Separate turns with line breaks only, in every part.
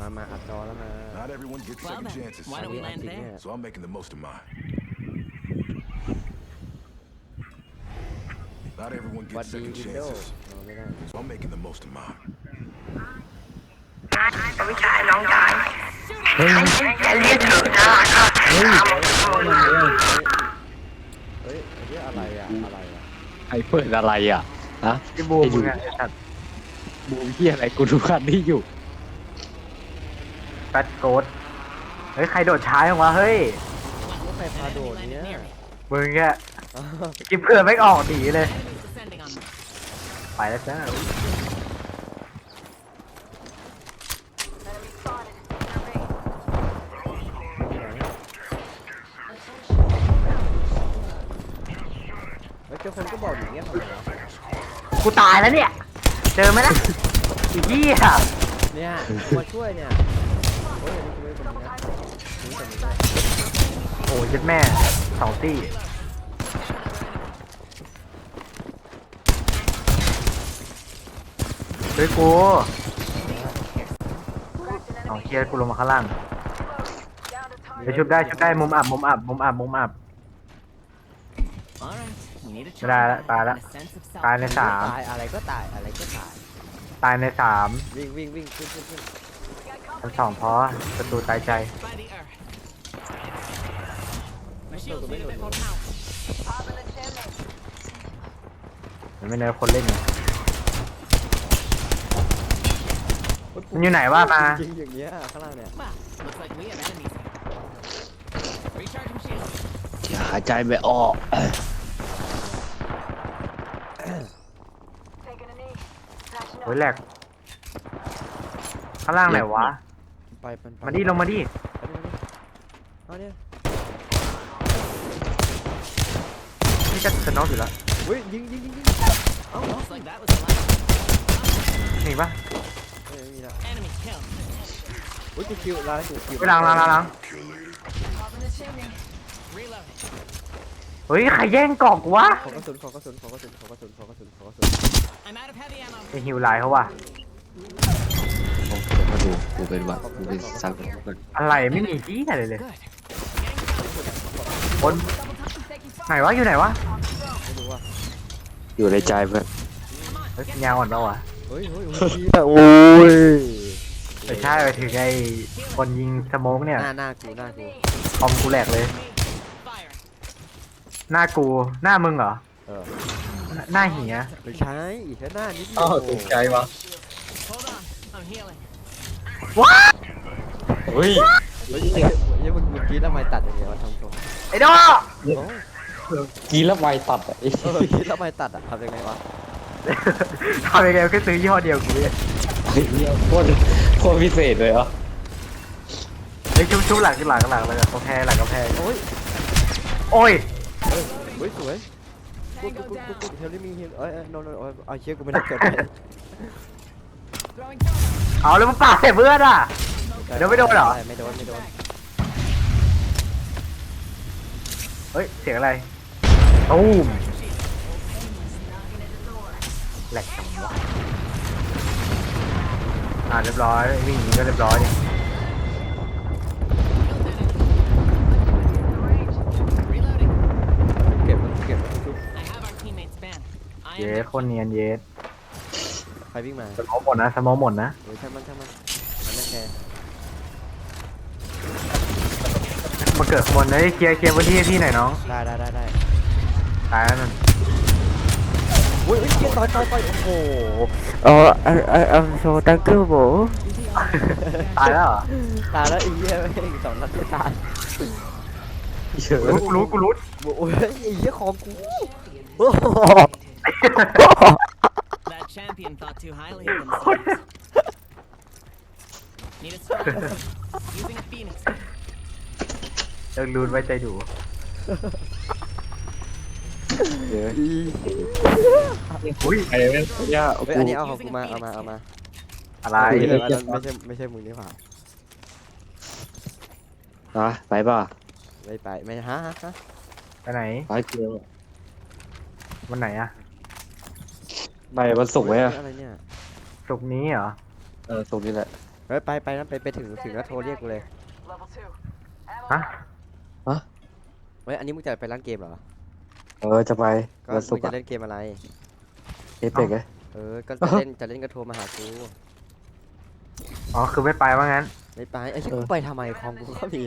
มาอัดจอแล้วนะ
Not everyone gets
Well
second
then,
chances.
why don't we land there?
So I'm making the most of mine. Not everyone
วัด
gets
ดี
second
วินโดว์
chances.
ไม่ได้
So I'm making the most of mine.
วิชาน้องชายจะเรียกถูกนะ
เฮ้ยไอ้เรื่องอะไรอ่ะอะไรอ่ะ
ไอ้เปิดอะไรอ่ะฮะ
พี่บูมมึงอะไอ้สัตว์
บูมที่อะไรกูดูคันที่อยู่
แฟตโกดเฮ้ยใครโดดช้าจังวะเฮ้ย
ใครพาโดดเนี้ย
มึงแค่กินเพื่อนไม่ออกดีเลย
Enemies descending on me.
ไปแล้วจ้า
แล้วเจ้าคนก็บอกอย่างเงี้ยทำไมวะ
กูตายแล้วเนี่ยเจอไหมนะอีกที่อ่ะ
เนี่ยมาช่วยเนี่ยโอ้ยนี่คือไม่เป็นนะนี่แต่ไม่ได้
โอ้ยเจ็ดแม่สองตี้เฮ้ยกูเอาเคลียร์กูลงมาข้างล่างไปชุบได้มุมอับ
Alright, we need a
ไม่ได้ละ
charge
ตายละ
and a sense of
ตายใน
self.
สาม
ตายอะไรก็ตายอะไรก็ตาย
ตายในสาม
วิ่งขึ้น
ชั้นสองพอประตูตายใจ
By the earth. My shields need a bit more power.
มันไม่เนื้อคนเล่นไงมันอยู่ไหนวะมา
จริงอย่างเงี้ยข้างล่างเนี่ย
Well, looks like we have enemies. Recharging shields.
อย่าหายใจไม่ออก
โอ้ยแหลกข้างล่างไหนวะ
ไป
มาดิลงมาดิ
เอาเนี่ย
นี่จะสน็อกอยู่แล้ว
เฮ้ยยิงเอ้า
Looks like that was the last.
หนีปะ
เฮ้ยมีละ
Enemy killed.
เฮ้ยกูคิวล้างกูคิว
ไปล้าง
Reloading.
เฮ้ยใครแย่งกล่องกูวะ
ขอกระสุน
I'm out of heavy ammo.
ไอฮิวไลน์เขาวะ
มาดูกูเป็นวัดกูเป็นสังคม
อะไรไม่มีที่อะไรเลย
Good.
บนไหนวะอยู่ไหนวะ
ไม่รู้ว่า
อยู่ในใจเพื่อน
เฮ้ยยาวอ่อนปะวะ
เฮ้ยโอ้ย
ไม่ใช่ไปถึงไอคนยิงสโมกเนี่ย
หน้ากู
คอมกูแหลกเลย
Fire.
หน้ากูหน้ามึงเหรอ
เออ
หน้าเหีย
ไม่ใช่อีกแค่หน้านิดเดียว
อ้าวตกใจวะ
Hold on. I'm healing.
เฮ้ย
เฮ้ยมึงคิดทำไมตัดอย่างเงี้ยวะทำตัว
ไอ้ดอ
กีแล้วไวตัดอ่ะไอ้
คิดทำไมตัดอ่ะทำยังไงวะ
ทำยังไงแค่ซื้อยี่ห้อเดียวกูเนี่ย
โคตรพิเศษเลยเหรอ
ไอ้ชุบหลังเลยกำแพงหลังกำแพง
โอ้ย
โอ้ย
เฮ้ยสวยกูเฮลิมีเฮลโนเอาเชี่ยกูไม่ได้เกิด
Throwing cover.
เอาแล้วมึงปาดใส่เพื่อนอ่ะ เดี๋ยวไม่โดนเหรอ
ไม่โดน
เฮ้ยเสียงอะไรตูมแหลกจังวะเรียบร้อยวิ่งหนีก็เรียบร้อยดิ
Reloading.
เก็บทุก
I have our teammate's band. I
เย
am
ส
their
คนเนียนเยส
ใครวิ่งมา
สมองหมดนะ
โอ้ยช่างมันมันไม่แคร์
มาเกิดขบวนเลยเคลียร์พื้นที่ให้พี่หน่อยน้อง
ได้
ตายแล้วนั่น
อุ้ยเชี่ยต่อยโอ้โหI'm so thank you bro
ตายแล้วเหรอ
ตายแล้วไอ้เหี้ยไม่สองนัดไม่ตาย
กูรู้
โอ้ยไอ้เหี้ยของกูโอ้โห
That champion thought too highly of themselves. Need a stone. Using a phoenix.
เลิกรูนไว้ใจดู อุ้ย
ไอ้เว้ยย่า
เฮ้ยอันนี้เอาของกูมาเอามา
อะไร
ไม่ใช่มึงนี่หว่า
ไปป่ะ
ไปไม่ฮะ
ไปไหน
ไปเกลือ
วันไหนอะ
ไปวันศุกร์ไหมอ่ะ
อะไรเนี่ย
ศุกร์นี้เหรอ
ศุกร์นี่แหละ
ไปฮ้ยไปนั่นไปถึงแล้วโทรเรียกกูเลย
ฮะ
เฮ้ยอันนี้มึงจะไปร้านเกมเหรอ
จะไป
ก็
วันศุ
มึ
ก
ง
ร์
จะ
อะ
เล่นเกมอะไร
เอเปกไง
ก็จะเล่นก็โทรมาหากู
อ๋อคือไม่ไปว่างั้น
ไม่ไปไอ้ที่กูไปทำไมคอมกูก็มี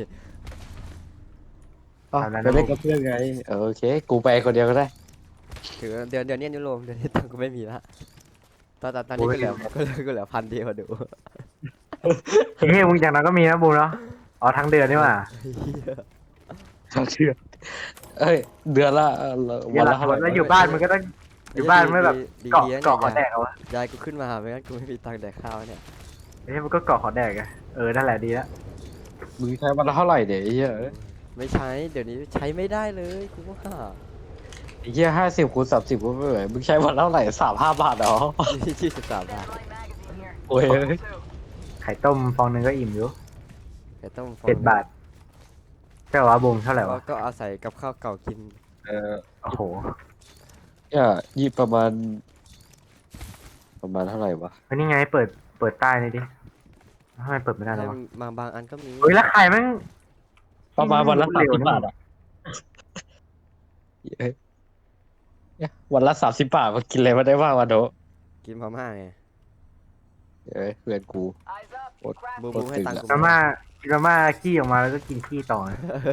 ไปเล่นกับเพื่อนไงโอเคกูไปคนเดียวก็ได้
ถือเดือนนี้นิวโรมเดือนนี้ตังค์กูไม่มีละตอนนี้ก็เหลือ1,000 เดียวดู
เฮ้ยมึงอย่างนั้นก็มีนะบูมเนาะอ๋อทั้งเดือนนี่หว่า
เชื่อเอ้ยเดือนละวันละเท่าไหร่
แล้วอยู่บ้านมึงก็ต้องอยู่บ้านไม่แบบ
ดี
เกาะ
ๆนะ
เกาะขอแด
เนี่ย
กเอาวะ
ยายกูขึ้นมาไม่งั้นกูไม่มีตังค์แดกข้าวเนี่ย
เฮ้ยมันก็เกาะขอแดกไงนั่นแหละดีแล้ว
มึงใช้วันละเท่าไหร่เนี่ยไอ้เหี้ย
ไม่ใช้เดี๋ยวนี้ใช้ไม่ได้เลยกูว่า
ไอ้เหี้ย50 คูณ 30กูไม่ไหวมึงใช้วันละเท่าไหร่35 บาทเหรอ
23 บาท
โอ้ย
ไข่ต้มฟองหนึงก็อิ่มอยู่
แต่ต้องฟอง
7 บาทใช่วะบูมเท่าไหร่วะ
ก็อาศัยกับข้าวเก่ากิน
โอ้โห
เนี่ยยี่ประมาณเท่าไหร่วะ
เฮ้ยนี่ไงเปิดใต้นี่ดิทำไมเปิดไม่ได้เลยวะ
บางอันก็มี
เฮ้ยแล้วไข่แม่ง
ประมาณวันละ
เร็ว
30 บาทอ่ะเนี่ยวันละ30 บาทมากินอะไรมาได้บ้างวะโด
กินพม่าไง
เพื่อนกู
บูให้ตังค์กู
มาม่ากินมาม่าขี้ออกมาแล้วก็กินขี้ต่อ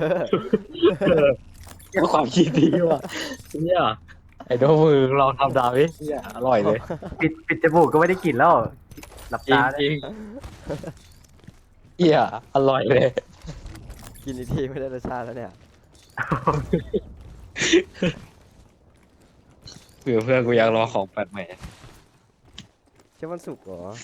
เป็นความคิดดีว่ะเนี่ยไอ้โดมือลองทำดาวดิเนี่ยอร่อยเลย
ปิดจมูกก็ไม่ได้กลิ่นแล้วหลับ
จริง
ตา
จริงเหี้ยอร่อยเลย
กินอีกทีไม่ได้รสชาติแล้วเนี่ย
เพื่อนกูอยากรอของแปลกใหม่
ใช่วันศุกร์เหรอ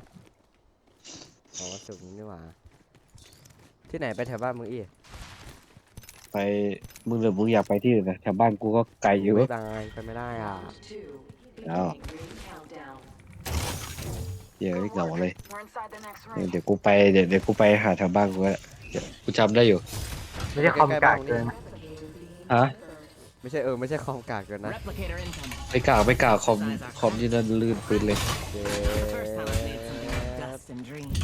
วันศุกร์นี่หว่าที่ไหนไปแถวบ้านมึงอีก
ไปมึงหรือมึงอยากไปที่อื่นนะแถวบ้านกูก็ไกลอยู่
ไม่ได้ไปไม่ได้อ่ะ
อ้าวเดี๋ยวเหงาเลยเดี๋ยวกูไปเดี๋ยวกูไปหาแถวบ้านกูก็เดี๋ยวกูจำได้อยู่
ไม่ใช่คอมกากเกิน
ฮะ
ไม่ใช่ไม่ใช่คอมกากเกินนะ
Replicator incoming.
ไม่กล้าคอมที่นั่นลื่นปืนเลย
เย้
The first time I made something with dust and dreams.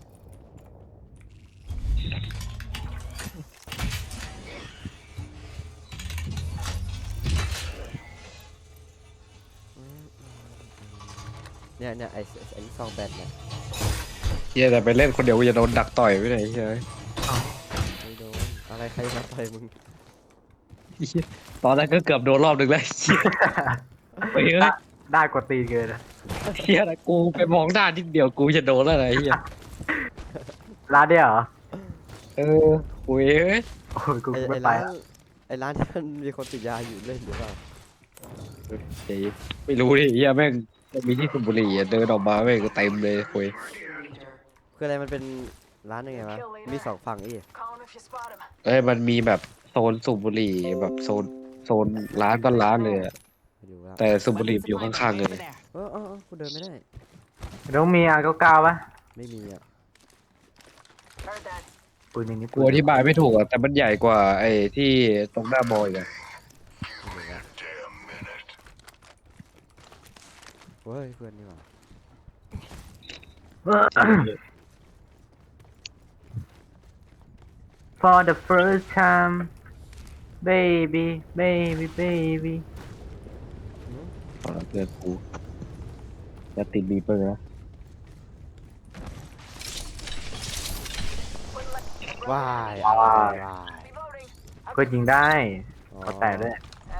เนี่ยไอ้ซองแบนเนี่ย
เฮียแต่ไปเล่นคนเดียวกูจะโดนดักต่อยไปไหนเฮีย
ไม่โดนอะไรใครมาต่อยมึง
ตอนนั้นก็เกือบโดนรอบหนึ่งแล้วเฮียไปเฮ้ย
ได้กว่าตีนเกิน
เฮียนะกูไปมองหน้านิดเดียวกูจะโดนแล้วนะเฮีย
ร้านเดียวเหรอ
โอ้ยเฮ้ย
โอ้ยกู
ไอ้
ไม่
ไอ้
ไป
ร้าน
อะ
ไอ้ร้านที่มันมีคนติดยาอยู่เล่นหรือเปล่า
เฮ้ยไม่รู้ดิเฮียแม่งมีที่สูบบุหรี่อะเดินออกมาแม่งก็เต็มเลยโอ้ย
คืออะไรมันเป็นร้านยังไงวะมีสองฝั่งอีก
มันมีแบบโซนสูบบุหรี่แบบโซนร้านก็ร้านเลยอะ
ไม่รู้แล้ว
แต่สูบบุหรี่อยู่ข้างๆเลย
Over there.
กูเดินไม่ได้
ต้องมีR99ปะ
ไม่มีอ่ะ
ปืนอย่างนี้
กูอธิบายไม่ถูกอะแต่มันใหญ่กว่าไอ้ที่ตรงหน้าบอยอะ
ไม่รู้แล้วเฮ้ยเพื่อนนี่หว่า
For the first time baby baby baby
ขอรับเพื่อนกูจะติดบีเปอร์นะ
ว้าย
เพื่อยิงได้
อ๋อ
ขอแตะด้วย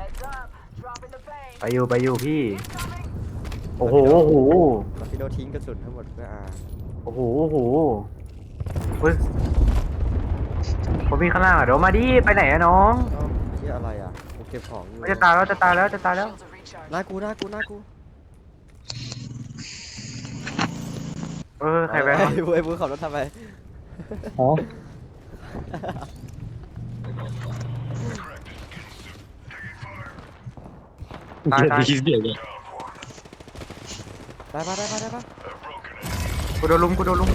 ไปอยู่พี่ โอ้โหโอ้โห
แล้วพี่โดทิ้งกระสุนทั้งหมดเพื่ออา
โอ้โหโอ้โหเฮ้ยผมมีข้างล่างอ่ะเดี๋ยวมาดิไปไหนอะน้อง
ที่อะไรอ่ะกูเก็บของอยู่
จะตายแล้วจะตายแล้วจะตายแล้ว
หน้ากู
ใครแบง
ไอ้บูขับรถทำไม
อ๋อ
ตายตาย
เสียงเลย
ได้ปะ
กูโดนลุม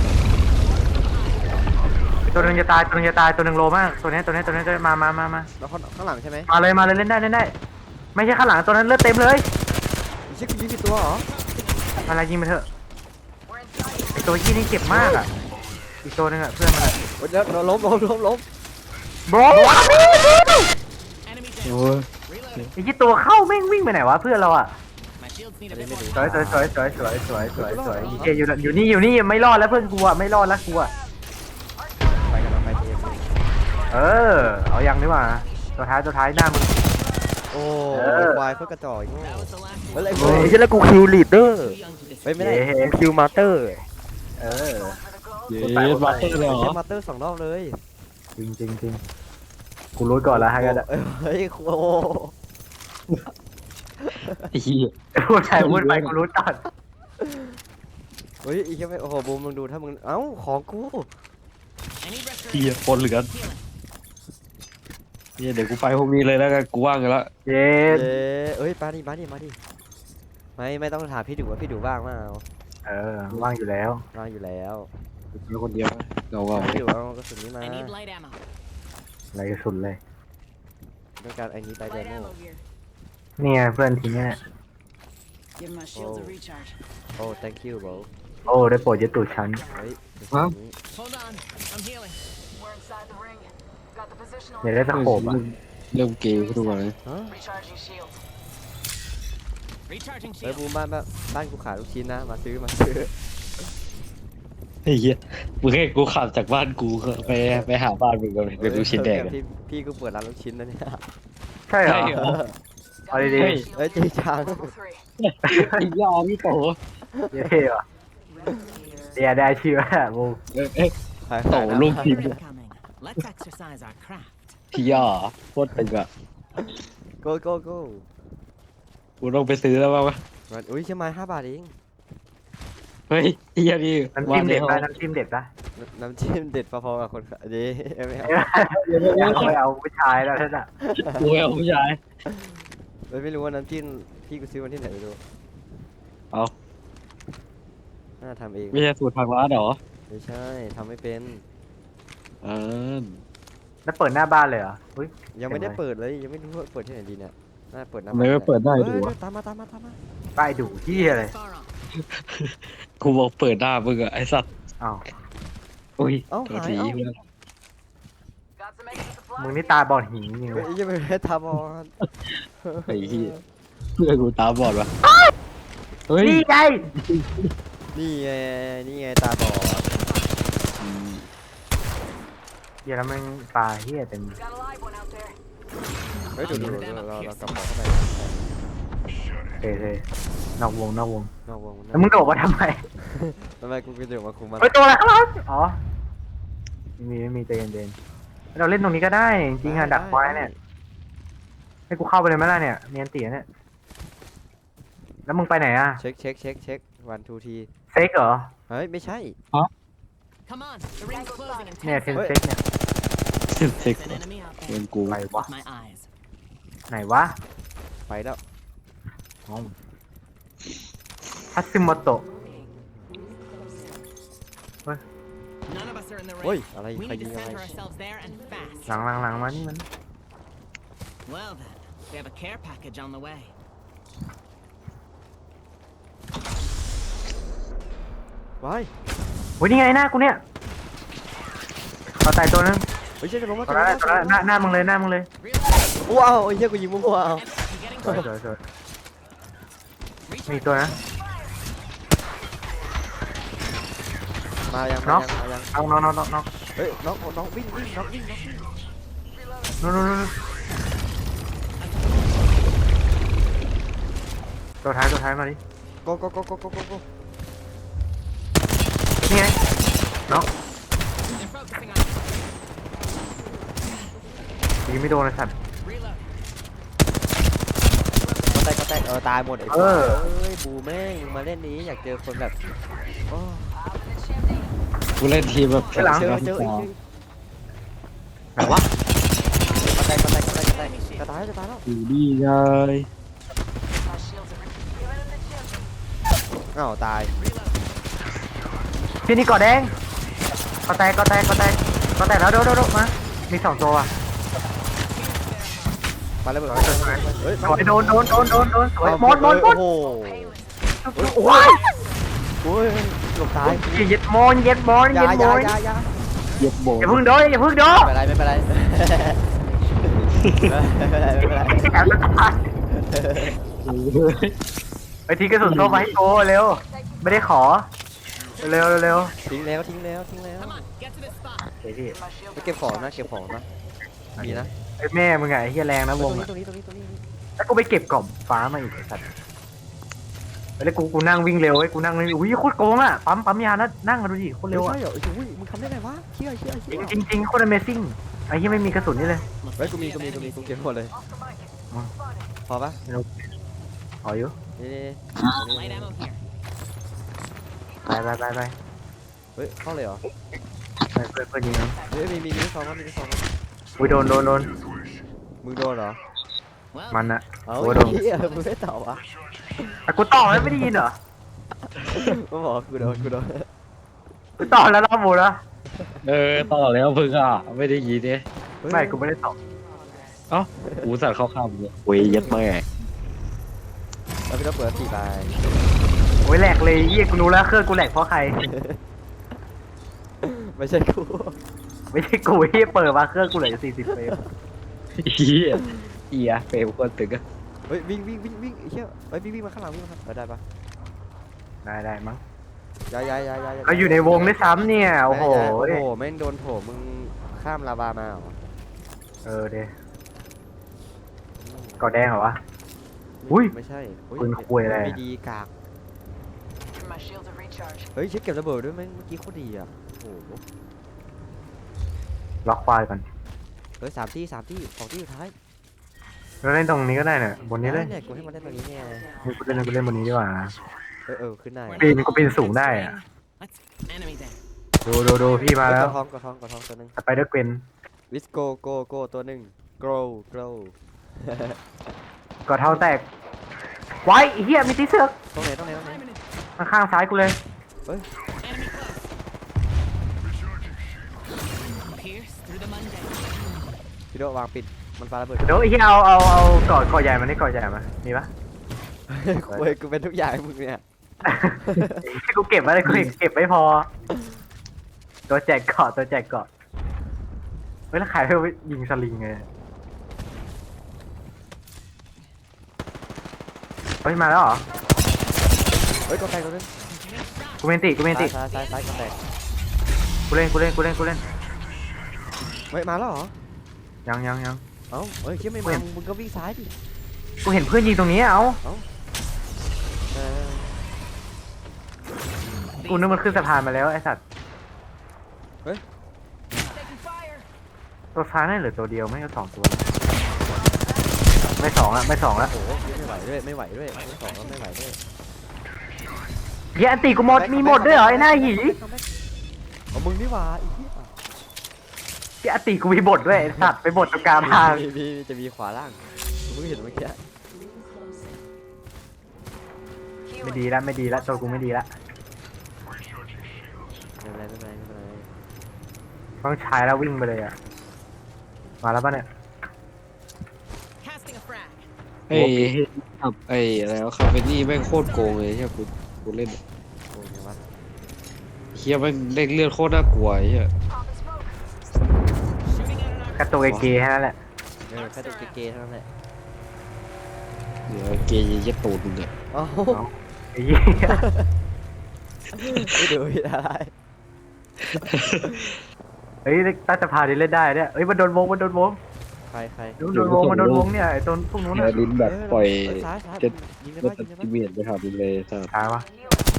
ตัวหนึงจะตายตัวหนึงตัวหนึงโลมากตัวนี้จะมา
แล้วข้างหลังใช่ไหม
มาเลยเล่นได้ไม่ใช่ข้างหลังตัวนั้นเลือดเต็มเลย
ไอ้เชี่ยกูยิงผิดตัวเหรอ
อะไรยิงไปเถอะไอตัวยี่นี่เจ็บมากอ่ะอีกตัวนึงอ่ะเพื่อนมัน
โอ้ยเดี๋ยวล้ม
โบร
Enemy down.
โอ้ย
Reloading.
ไอ้ที่ตัวเข้าแม่งวิ่งไปไหนวะเพื่อนเราอ่ะ
My shields need a bit more.
สวยเจอยู่นี่ไม่รอดแล้วเพื่อนกูอ่ะไม่รอดแล้วกูอ่ะ
ไปกันเราไปเทม
เออเอายังดีกว่าตัวท้ายหน้ามึง
โอ้วายเพื่อกระจอกอีก
That was the last
เฮ้ย
one.
ไอ้เหี้ยแล้วกูคิวลีดเดอร์
Too young to disappear.
ไปไม่ได้คิวมาสเตอร์
เออ
เย้มาเตอร์เลยเหรอ
ใช้มาสเตอร์2 รอบเลย
จริงกูรู้ก่อนแล้วฮะกัน
เฮ้ยโอ้
ไอ้เหี้ย
พูดไปกูรู้ก่อน
เฮ้ยอีกแค่ไม่โอ้โหบูมมึงดูถ้ามึงเอ้าของกู
Any
เหี้ย
restoration?
ปนเหลือน
Healing.
เหี้ยเดี๋ยวกูไปพวกนี้เลยแล้วกันกูว่างกันแล้ว
เย้
เอ้ยมาดิไม่ต้องถามพี่ดูว่าพี่ดูบ้างมาเอา
เออว่างอยู่แล้ว
ว่างอยู่แล้ว
แล้วคนเดียวเงา
พี่ดูเอากระสุนนี้มา
I need light ammo.
อะไรกระสุนเลย
ต้องการไอ้นี้ไปเด
Light
โม
ammo here.
เนี่ยเพื่อนทีเนี้ย
Give my shields a
Oh.
recharge.
โอ้ thank you bro
โอ้ได้โปรดยึดตูดฉัน
เฮ้ย
Hold on. I'm healing.
We're inside the ring. Got the positional
อยากได้ตะโขบอ่ะ
เริ่มเกมทุกวันเลย
ฮะ
recharging shields.
Recharging
เฮ้ย
shield.
บูมบ้านกูขายลูกชิ้นนะมาซื้อ
ไอ้เหี้ยมึงให้กูขับจากบ้านกูไปหาบ้านมึงกันเป็นลูกชิ้นแดง
พี่กูเปิดร้านลูกชิ้นนะเนี่ย
ใช่เหรอ
ใช่เหรอ
เอาดี
เฮ้ย
เฮ้ยจริงจัง
Level 3.
ไอ้ยาพี่โต
ๆเท่ว่ะเดี๋ยวได้ชื่อว่าบู
เอ้ย
ขาย
โต
ขายนะ
ลูกทีม
Incoming. Let's exercise our craft.
พี่ยาโคตรตึงอ่ะ
โกโกโก้
กูต้องไปซื้อแล้วป่าวะ
อุ้ยเชื่อไหม5 บาทเอง
เฮ้ยไอ้เหี้ยนี่
น้ำจิ้มเด็ดป่ะน้ำจิ้มเด็ดป่ะ
น้ำจิ้มเด็ดพอๆกับคนขายดีไม่เอา
เอาผู้ชายแล้วท่านอ่ะ
กูเอาผู้ชาย
ไม่รู้ว่าน้ำจิ้มพี่กูซื้อมาที่ไหนไม่รู้
เอา
น่าทำเอง
ไม่ใช่สูตรทางร้านเหรอ
ไม่ใช่ทำไม่เป็น
อ่า
แล้วเปิดหน้าบ้านเลยเหรออุ้ย
ยังไม่ได้เปิดเลยยังไม่รู้ว่าเปิดที่ไหนดีเนี่ยน่าเปิดหน้า
ทำไมไม่เปิดได้ดูวะ
ตามมา
ป้ายดูที่อะไร
Far off.
กูบอกเปิดหน้ามึงอะไอ้สัตว์
อ้าว
อุ้ย
เอ้า
ตัว
หาย
ที
เอ้า
Got some extra supplies.
มึงนี่ตาบอดหินจริง
เฮ้
เลย ย
ยังไม่ได้ทำบอล
ไอ้เหี้ยเพื่อนกูตาบอดวะเฮ้ย
นี่ไง
นี่ไงตาบอด
เดี๋ยวแล้วมึงปลาเฮียเต็ม
Got a live one out there.
เฮ้ยดูเรากลับเข้าไป
เท่นอกวง
นอกวง
แล้วมึงโดดมาทำไม
ทำไมกูเดี๋ยวมาคุมมัน
เฮ้ยตัวอะไรครับอ๋อไม่มีใจเย็นๆเราเล่นตรงนี้ก็ได้จริงๆอะดักไว้เนี่ยให้กูเข้าไปเลยไหมล่ะเนี่ยเนียนตีเนี่ยแล้วมึงไปไหนอะ
เช็ค1 2 ที
เซ็กเหรอ
เฮ้ยไม่ใช่
Come on. The ring's closing in
เนี่ย
10
เทน
seconds.
เซ็กเนี่ย
เซ็ก
There's an enemy out
เพื่อ
there.
นกู
ไปวะ
With my eyes.
ไหนวะ
ไปแล้ว
ทัตสึโมโตะ
None of us are in the
เฮ้ย
ring.
อะไร
We
ใคร
need
ยิ
to
งอะไร
center ourselves there and fast.
หลังมานี่มัน
Well then, we have a care package on the way.
ว้าย
โอ้ยนี่ไงหน้ากูเนี่ยเอาตายตัวนึง
เฮ้ยใช่จะลงมา
ตัวนั้นหน้ามึงเลย
Reload.
ว้าวไอ้เหี้ยกูยิงมั่วๆเอา
I'm getting
สวย
close.
มีตัวนะ
มายัง
น็อก
มายัง
น้อง
เฮ้ยน้องวิ่งน้องวิ่ง
นู่นตัวท้ายมาดิ
โก
นี่ไงน้อง
They're focusing on us.
ยิงไม่โดนเลยสัตว์
Reload.
ก็แตกตายหมดไอ้
เออ
เอ้ยบูแม่งมาเล่นนี้อยากเจอคนแบบโอ้
กูเล่นทีมแบบ
ไปหลัง
เจอ
ส
อีก
ไหนวะ
ก็แตกจะตายแล้ว
อยู่นี่ไง
My shields are giving him the chip.
อ้าวตาย
ที่นี่กอดแดงก็แตกแล้วโดมามี2ตัวว่ะ
มาแล้วเบิดเฮ้ย
สวยโดนสวยหมด
โอ้โห
โอ้ย
โอ้ยหลบซ้าย
เย็ดโมนเย็ดโมน
อย่า
เย็ด
อ
โม
ย่าน อย่า
เย็บโบ
อย่าพึ่งโดนอย่าพึ่งโดน
ไม่เป็นไรไม่เป็นไร
แอบจะตายไปทีกระสุนโซ่มาให้โกเร็วไม่ได้ขอเร็วเร็ว
ทิ้งแล้ว
Come on, get to this spot.
เฮ้ยพี่
My shield
ไปเก็บของนะมีนะ
ไอ้แม่มึงไงไอ้เฮียแรงนะวง
ตรงนี้
แล้วกูไปเก็บกล่องฟ้ามาอีกไอ้สัตว์แล้วกูนั่งวิ่งเร็วไอ้กูนั่งวิ่งอุ้ยโคตรโกงอ่ะปั๊มยานะนั่งกันดูดิโคตรเร็วอ่ะ
ใช่เหรออุ้ยมึงทำได้ไงวะเชี่ย
จริงโคตร Amazing ไอ้เฮียไม่มีกระสุนนี่เลย
เฮ้ยกูมีกูเก็บหมดเลยพอปะ
ขออยู่
นี่
Light ammo here.
ไป
เฮ้ยเข้าเลยเหรอ
ไปเพื่อนยิงนะ
เฮ้ยมีซองมั้ย
อุ้ยโดน
มึงโดนเหรอ
Well,
มันอะ
เอา
โอ้ยโดน
เหี้ยมึงไม่ตอบวะ
แต่กูต่อแล้วไม่ได้ยินเหรอ
กูบอกกูโดน
กูต่อแล้วรอบหมดแล้ว
ต่อแล้วพึ่งอ่ะไม่ได้ยินเนี่ย
ไม่กูไม่ได้ต่อ
เอ้ากูสั่งเข้าข้ามเลยโอ้ยยัดแม่
แล้วพี่ต้องเปิด4ใบ
โอ้ยแหลกเลยเฮียกูรู้แล้วเครื่องกูแหลกเพราะใคร
ไม่ใช่กู
ไม่ใช่กูเฮียเปิดมาเครื่องกูเหลือ40เฟรม
เฮียเฟลคนตึกอะ
เฮ้ยวิ่งเชี่ยเฮ้ยวิ่งมาข้างหลังได้ปะ
ได้มั้ง
ย้าย
เราอยู่ในวงด้วยซ้ำเนี่ยโอ้โห
แม่งโดนโผมึงข้ามลาวามาเหรอ
เดกอแดงเหรอวะ อุ้ย
ไม่ใช่
ปืนคุยอะไร
ไม่ดีกาก
My shields are recharged.
เฮ้ยเช็คเก็บระเบิดด้วยแม่งเมื่อกี้โคตรดีอ่ะโอ้โห
ล็อกควายก่อน
เฮ้ย3 ที่2 ที่สุดท้าย
เราเล่นตรงนี้ก็ได้เนี่ยบนนี้เลย
เนี่ยกูให้มันได้ตรงนี้เนี่ย
กูเล่นบนนี้ดีกว่า
ขึ้นได้
กูปีนสูงได้อะ
let's enemy there.
ดูพี่มาแล้ว
กระท้องตัวนึง
สไปเดอร์เกวน
Let's go ตัวนึง grow
กอดเท้าแตกไว้ไอ้เหี้ยมีตีเสือก
ตรงไหน
ข้างๆซ้ายกูเลย
Enemy close. Pierce through the Monday.
พี่โดวางปิดมันปาระเบิด
เดี๋ยวไอ้เหี้ยเอากอดใหญ่มานี่กอดใหญ่มามีปะ
กูเป็นทุกอย่างให้มึงเนี่ย
กูเก็บไว้เลยกูเก็บไม่พอ ตัวแจกเกาะเฮ้ยแล้วขายเพื่อยิงสลิงไงเฮ้ยมาแล้วเหรอ
เฮ้ยกดแตกตัวนึง
กูเมนติ
ซ้ายกดแตก
กูเล่น
เฮ้ยมาแล้วเหรอ
ยัง
เอ้าเฮ้ยเชี่ยไม่มามึงก็วิ่งซ้ายดิ
กูเห็นเพื่อนยิงตรงนี้เอากูนึกมันขึ้นสะพานมาแล้วไอ้สัตว์
Taking fire.
ตัวซ้ายนั่นเหลือตัวเดียวไม่ก็2 ตัว ไม่สองละ
โอ้โหไม่ไหวด้วยไม่ไหวด้วย
เหี้ยอันตีกูหมดมีหมดด้วยเหรอไอ้หน้าหยี
เอามึงนี่หว่าอีกที่
เหี้ยอันตีกูมีบทด้วยไอ้สัตว์ไปบทตรงกลางทาง
มีจะมีขวาล่างมึงเห็นเมื่อกี้
ไม่ดีละตัวกูไม่ดีละ
ไม่เป็นไร
ต้องใช้แล้ววิ่งไปเลยอ่ะมาแล้วป่ะเนี่ย
Casting a frag.
ไอ้ขับไอ้อะไรวะคาเฟนี่แม่งโคตรโกงเลยใช่ไหมกูเล่น
โอ้ยวะ
เฮียแม่งเล่นเลือดโคตรน่ากลัวไอ้เฮีย
Shooting at an arc.
กระตัวเกย์แค่นั้นแหละ
แค่ตัวเกย์เท่านั้นแหละ
เดี๋ยวเกย์ยัดตูดมึงเนี่ย
เอ้า
ไอ้เหี้ย
ไม่ดูอะไร
เฮ้ยตั้งสภาดิเล่นได้เนี่ยเฮ้ยมันโดนวง
ใคร
โดนวงเนี่ยไอ้ตัวพวกนู้น
เฮีย
น่ะ
ลิ้นแบบปล่อย
ซ้าย
จะ
ยิงได้
รถ
ปะ
ตัดจิเมียนไปหาดินเลยสัตว์
ตายวะ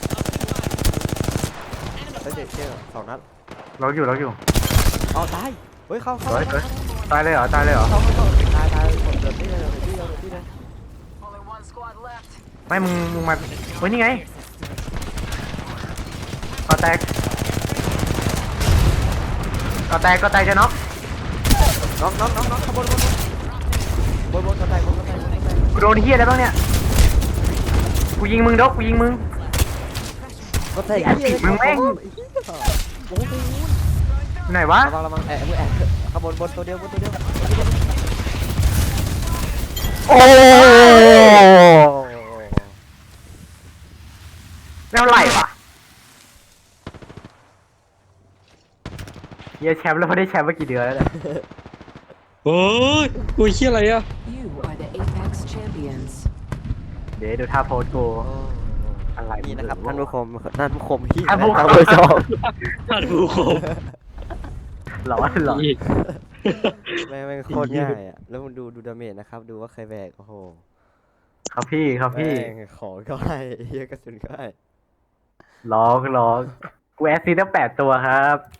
เฮ้ยเจ๊2 นัด
เราอยู่
อ๋อตายเฮ้ยเข้า
ตายเลยเหรอ
ตายหมดเดือดที่เลย
Only one squad left.
ไม่มึงมาเฮ้ยนี่ไงก็แตกจะน็อก
น้องขบวนกระแตก
กูโดนเฮียแล้วบ้างเนี่ยกูยิงมึงกูยิงมึง
ก็แตก
มึงแม่ง
โอ้โห
ไหนวะ
ระวังมึงแอบขบวนบนตัวเดียว
โอ้แล้วไหลวะเฮียแชมป์แล้วไม่ได้แชมป์มากี่เดือนแล้วเนี่ย
โอ้ยโอ้ยเฮียอะไรอะ
You are the Apex champions.
เดี๋ยวดูท่าโพสกู อะไร
นี่นะครับ
มึง
ท่านผู้ชมที่
ท่านผู้ชม
ท่านผู้ชม
ท่านผู้ชม
หลอนหลอน
อีก
แม่งโคตรง่ายอ่ะแล้วมึงดูดาเมจนะครับดูว่าใครแบกโอ้โห
ครับพี่ครับพี่
แม่งของก็ให้เฮียกระสุนก็ให้
ร้องกูแอสซีตั้ง8 ตัวครับ